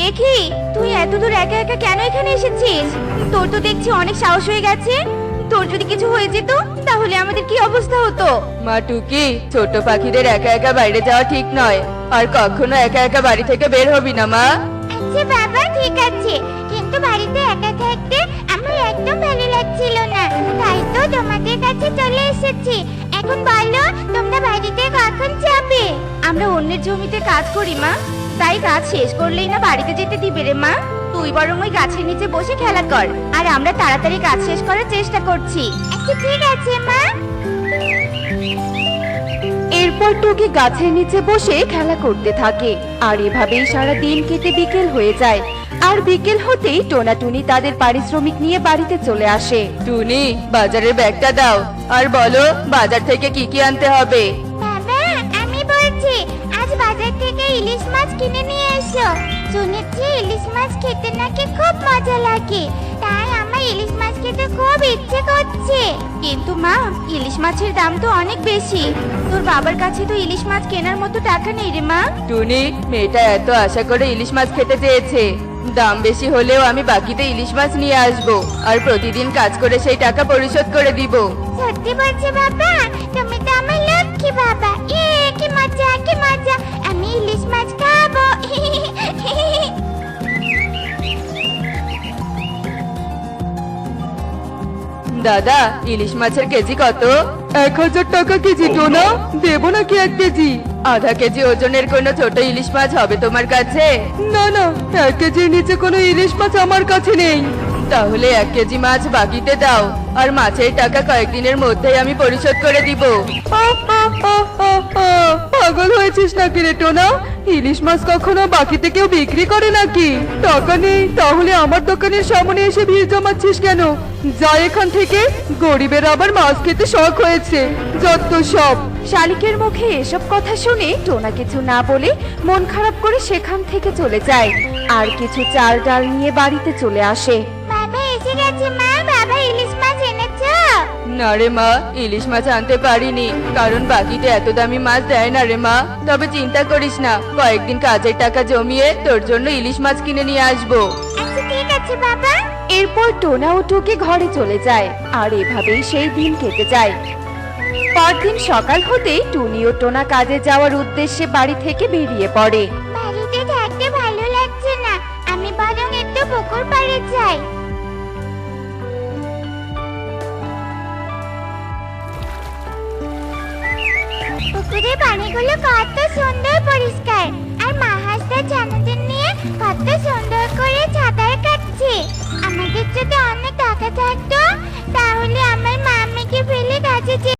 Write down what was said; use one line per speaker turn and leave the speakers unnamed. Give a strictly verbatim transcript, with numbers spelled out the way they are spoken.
দেখি তুই এত দূর একা একা কেন এখানে এসেছিস? তোর তো দেখছি অনেক সাহস হয়ে গেছে। তোর যদি কিছু হয়ে যেত তাহলে আমাদের কি অবস্থা হতো?
মা টুকি, ছোট পাখিদের একা একা বাইরে যাওয়া ঠিক নয়। আর কখনো একা একা বাড়ি থেকে বের হবি না মা।
আচ্ছা বাবা, ঠিক আছে, কিন্তু বাড়িতে একা থাকতে আমার একদম ভালো লাগছিল না, তাই তো তোমাদের কাছে চলে এসেছি। এখন বলো, তোমরা বাড়িতে কখন যাবে?
আমরা অন্যের জমিতে কাজ করি মা, তাই কাজ শেষ করলেই না বাড়িতে যেতে দিবে রে মা। তুই বরং ওই গাছের নিচে বসে খেলা কর, আর আমরা তাড়াতাড়ি কাজ শেষ করার চেষ্টা করছি।
আচ্ছা ঠিক আছে মা।
এরপর টুকি গাছের নিচে বসে খেলা করতে থাকে, আর এভাবেই সারা দিন কেটে বিকেল হয়ে যায়। আর বিকেল হতেই টোনাটুনি তাদের পারিশ্রমিক নিয়ে বাড়িতে চলে আসে।
টুনি, বাজারের ব্যাগটা দাও আর বলো বাজার থেকে কি কি আনতে হবে।
বাবা, আমি বলছি আজ বাজার থেকে ইলিশ মাছ কিনে নিয়ে এসো। শুনেছি ইলিশ মাছ খেতে নাকি খুব মজা লাগে, তাই আমার ইলিশ মাছ খেতে খুব ইচ্ছে করছে।
কিন্তু মা, ইলিশ মাছের দাম তো অনেক বেশি। তোর বাবার কাছে তো ইলিশ মাছ কেনার মতো টাকা নেই রে মা।
টুনি, মেয়েটা এত আশা করে ইলিশ মাছ খেতে চেয়েছে, দাম বেশি হলেও আমি বাকিতে ইলিশ মাছ নিয়ে আসবো আর প্রতিদিন কাজ করে সেই টাকা পরিশোধ করে দিব।
সত্যি বলছো বাবা? তুমি তো আমার লক্ষ্মী বাবা। এ কি মজা, কি মজা, আমি ইলিশ মাছ খাবো।
দাদা, ইলিশ মাছের কেজি কত?
এক হাজার টাকা কেজি টোনা, দেবো নাকি এক কেজি?
আধা কেজি ওজনের কোনো ছোট ইলিশ মাছ হবে তোমার কাছে?
না না, এক কেজির নিচে কোনো ইলিশ মাছ আমার কাছে নেই।
তাহলে এক কেজি মাছ বাকিতে দাও, আর মাছের টাকা কয়েকদিনের মধ্যেই আমি পরিশোধ করে দিব।
আহ, আহ, আহ, আহ, আহ, পাগল হয়েছিস নাকি রে টোনা? ইলিশ মাছ কখনো বাকিতে কেউ বিক্রি করে নাকি? টাকা নেই তাহলে আমার দোকানের সামনে এসে ভিড় জমাচ্ছিস কেন? যা এখান থেকে, গরিবের আবার মাছ খেতে শখ হয়েছে, যত সব। শালিকের মুখে এসব কথা শুনে টোনা কিছু না বলে মন খারাপ করে সেখান থেকে চলে যায়, আর কিছু চাল ডাল নিয়ে বাড়িতে চলে আসে।
বাবা এসে গেছে মা, বাবা ইলিশ মাছ এনেছো?
না রে মা, ইলিশ মাছ আনতে পারিনি, কারণ বাকিতে এত দামি মাছ দেয় না রে মা। তবে চিন্তা করিস না, কয়েকদিন কাজের টাকা জমিয়ে তোর জন্য ইলিশ মাছ কিনে নিয়ে আসবো।
আচ্ছা ঠিক আছে বাবা।
এরপর টোনা ও টুকি ঘরে চলে যায়, আর এভাবেই সেই দিন কেটে যায়। পরদিন সকাল হতেই টুনি ও টোনা কাজে যাওয়ার উদ্দেশ্যে বাড়ি থেকে বেরিয়ে পড়ে।
বাড়িতে থাকতে ভালো লাগছে না, আমি বরং একটু পুকুর পাড়ে যাই। পুকুরের পানিগুলো কত সুন্দর পরিষ্কার,